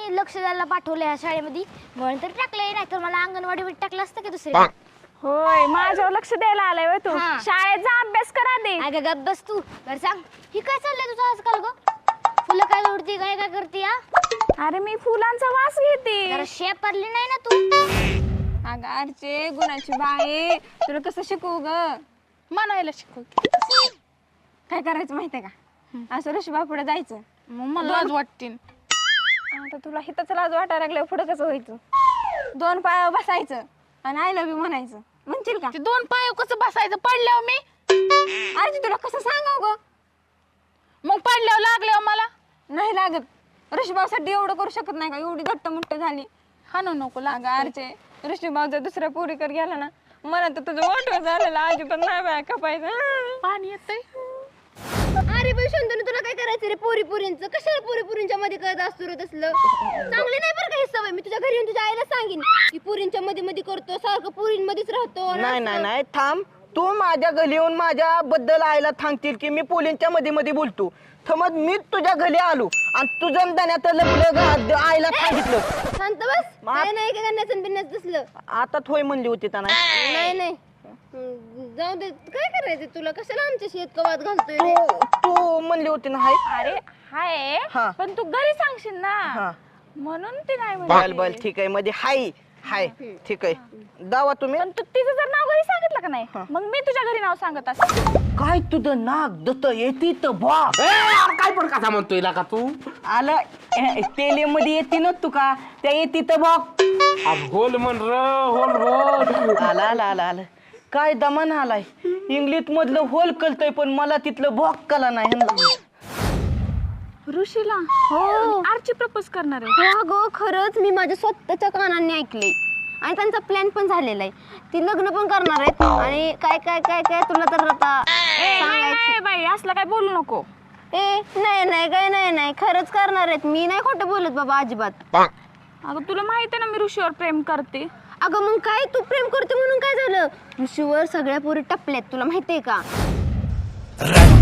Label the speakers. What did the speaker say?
Speaker 1: मी लक्ष द्यायला पाठवलं या शाळेमध्ये म्हणून तर टाकलंय, नाही तर मला अंगणवाडीमध्ये टाकलं असतं की दुसरीकडे.
Speaker 2: होय माझ्यावर लक्ष द्यायला आलाय होय तू.
Speaker 1: हा.
Speaker 2: शाळेत जा अभ्यास करा दे.
Speaker 1: अगं गप बस तू. बरं सांग, ही काय चाललंय तुझं आजकाल ग? फुलं काय तोडती, काय काय करते?
Speaker 2: अरे मी फुलांचा वास घेते.
Speaker 1: जरा शेपरली नाही ना तू?
Speaker 2: अगं अर्चे गुणाची बाई, तुला कसं शिकवू ग?
Speaker 3: म्हणायला शिकव.
Speaker 2: काय करायचं माहितीये का? असं ऋषीबा पुढे जायचं.
Speaker 3: मग मला लाज वाटते.
Speaker 2: आता तुला हिताच लाज वाटायला लागल्यावर पुढे कसं व्हायचं? 2 पायावर बसायचं आणि आय लव्ह यू म्हणायचं. म्हणशील का?
Speaker 3: ते 2 पाय कसं बसायचं पडल्यावर मी?
Speaker 2: अर्चे तुला कसं सांगाव ग?
Speaker 3: मग पडल्यावर लागल्यावर मला
Speaker 2: नाही लागत. ऋषीबासाठी एवढं करू शकत नाही का? एवढी घट्ट मुट्ट झाली.
Speaker 3: हाणू नको
Speaker 2: अगं अर्चे ऋषीबाव जर दुसऱ्या पोरीकडे गेला ना, मला तर तुझं मोठं झालेलं अजिबात नाही बाय कापायचं.
Speaker 3: पाणी येतंय.
Speaker 1: अरे बाई शंतनू, तुला काय करायचं रे पोरी पोरींचं? कशाला पोरी पोरींच्या मध्ये करत असतो रे तसलं? चांगले नाही बरं का ही सवय. मी तुझ्या घरी येऊन तुझ्या आईला सांगेन की पोरींच्या मध्ये मध्ये करतो, सारखं पोरींमध्येच राहतो. आणि
Speaker 4: नाही
Speaker 1: असं.
Speaker 4: नाही नाही थांब. तू माझ्या घरी येऊन माझ्या बद्दल आईला सांगतील की मी पोलींच्या मध्ये मध्ये बोलतो. समज मी तुझ्या घरी आलो आणि तुझं दाण्यात लपलं आईला सांगितलं.
Speaker 1: शांत बस. काय नाही काय करण्याचं बिन्याचं तसलं.
Speaker 4: आता थोय म्हणली होती त्यांना.
Speaker 1: नाही नाही जाऊ दे. काय करायचं तुला? कशाला आमच्या शेत वाद घालतोय रे?
Speaker 4: तू म्हणली होती ना हाय.
Speaker 2: अरे हाय
Speaker 4: हा.
Speaker 2: पण तू घरी सांगशील ना,
Speaker 4: हा.
Speaker 2: म्हणून ती नाही
Speaker 4: बल
Speaker 2: म्हणली.
Speaker 4: बल ठीक आहे मध्ये हाय हाय ठीक आहे. दावा तुम्ही.
Speaker 2: पण तू तिचं जर नाव घरी सांगितलं का नाही, मग मी तुझ्या घरी नाव सांगत असते.
Speaker 4: काय तुझं नाक दत येते तर बा
Speaker 5: काय पण कसा म्हणतोय का तू?
Speaker 4: आलं तेले मध्ये येते ना तू का त्या येते तर बघ.
Speaker 5: होल म्हण र होल होल.
Speaker 4: आला आला आला आलं काय दमान आलाय. इंग्लिश मधलं होल कळतय पण मला तिथलं बॉक कला नाही.
Speaker 2: ऋषीला
Speaker 1: हो
Speaker 2: आरची प्रपोज करणार आहे.
Speaker 1: हो अगं खरंच मी माझ्या स्वतःच्या कानांनी ऐकले आणि त्यांचा प्लॅन पण झालेला आहे. ती लग्न पण करणार आहेत आणि काय काय काय काय तुला तर आता सांगायचं.
Speaker 2: बाई असलं काय बोलू नको.
Speaker 1: नाही नाही काय नाही नाही खरंच करणार आहेत. मी नाही खोटं बोलत बाबा अजिबात.
Speaker 2: अगं तुला माहिती आहे ना मी ऋषीवर प्रेम करते.
Speaker 1: अगं मग काय तू प्रेम करते म्हणून काय झालं? ऋषीवर सगळ्या पोरी टपल्यात, तुला माहितीये का?